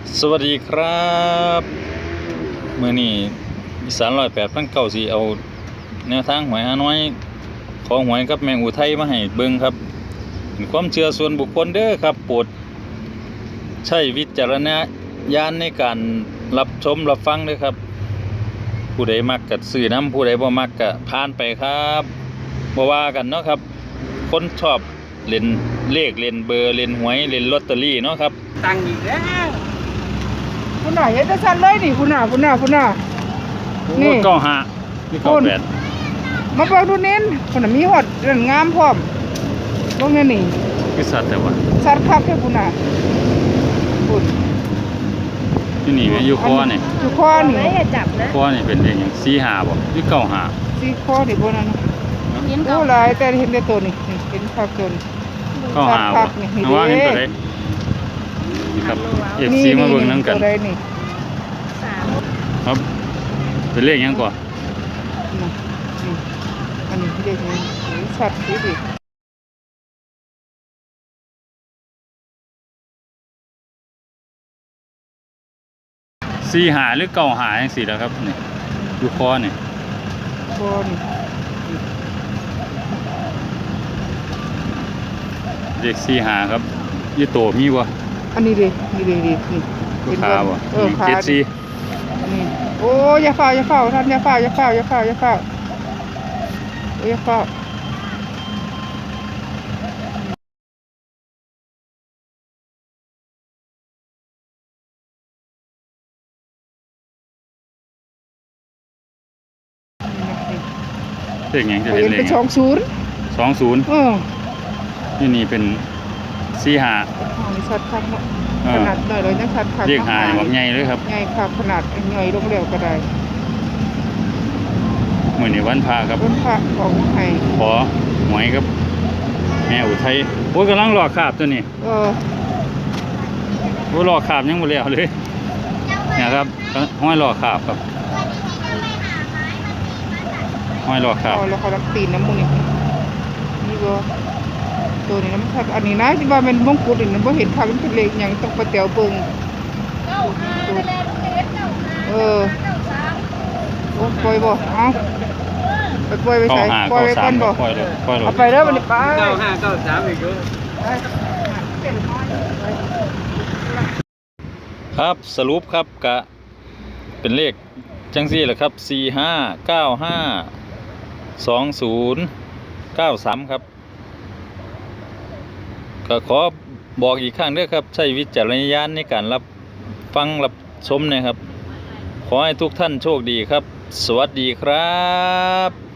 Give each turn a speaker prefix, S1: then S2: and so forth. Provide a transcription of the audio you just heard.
S1: สวัสดีครับมื้อนี้อีสาน108 พันเก้าสิเอาแนวทางหวยฮานอยของหวยกับแมงอุทัยมาให้เบิ่งครับเป็นความเชื่อส่วนบุคคลเด้อครับโปรดใช้วิจารณญาณในการรับชมรับฟังเด้อครับผู้ใดมักก็ซื้อนำผู้ใดบ่มักก็ผ่านไปครับบ่ว่ากันเนาะครับคนชอบเล่นเลขเล่นเบอร์เล่นหวยเล่นลอตเตอรี่เนาะครับ
S2: ตังอีกแล้ว
S3: คุณน่ะเฮ็ดจังซั่นเลยนี่คุณน่ะนี่
S1: 95นี่98
S3: มาเบิ่งดูเน้นคุณน่ะมีฮอดเรื่องงามพร้อมเบิ่งแน่นี่
S1: คือสัตว์แต่ว่า
S3: สัตว์คักแท้คุณน่ะคุณ
S1: อยู่นี่อยู่คอนี่
S3: อยู่คอนี่
S2: อย่าจับนะ
S1: คอนี่เป็นเลขหยัง45บ่หรือ95
S3: สิคอนี่บ่นั่นโอ้หลายแต่เห็นแต่ตัวนี่เห็นคักจน
S1: 95บ่ว่าเห็นตัวใดนี่ครับ FC มาเบิ่งนำกัน
S3: ตัวใดนี่
S1: ครับเป็นเลขหยังก่อน
S3: อันนี้เลขนี้ชัดดิ
S1: 45หรือ95จังซี่ล่ะครับนี่อยู่คอนี่เลข45ครับอยู่โตมีบ่
S3: อันนี้ดินี่
S1: ขาบ่
S3: ขา
S1: 74
S3: นี่โอ้อย่าเฝ้าท่านอย่าเฝ้าอย่าเฝ้า
S1: เลขหยังจะเป็นเลข
S3: เป็น20
S1: ที่นี่เป็น45
S3: นี่ชัดคักเนาะขนาดหน่อยเลยนะชัดคัก
S1: เลข5นี่บักใหญ่เลยครับ
S3: ใหญ่ครับขนาดใหญ่ลงแล้วก็ได้
S1: มื้อนี้วันพระครับ
S3: วันพระของไทย
S1: ขอหวยครับแม่อุทัยโอ้ยกำลังรอคาบตัวนี้โอ้รอคาบยังบ่แล้วเลยเนี่ยครับห้อยรอคาบครับห้อยรอคาบ
S3: แล้วเขารับตีนน้ำมูนี่นี่บ่ตัวนี้น้ำคักอันนี้นะที่ว่ามันมงกุฎนี่มันบ่เห็นคักมันเป็นเลขหยังต้องไปแต๋วเบิ่งโอ้ปล่อยบ่เอาไปปล่อยไปใส่ปล่อยไปก่อนบ่เอาไปเด้อมันไป
S2: 95 93อีก
S1: ครับสรุปครับกะเป็นเลขจังซี่แหละครับ45952093ครับก็ขอบอกอีกครั้งด้วยครับใช้วิจารณญาณในการรับฟังรับชมนะครับขอให้ทุกท่านโชคดีครับสวัสดีครับ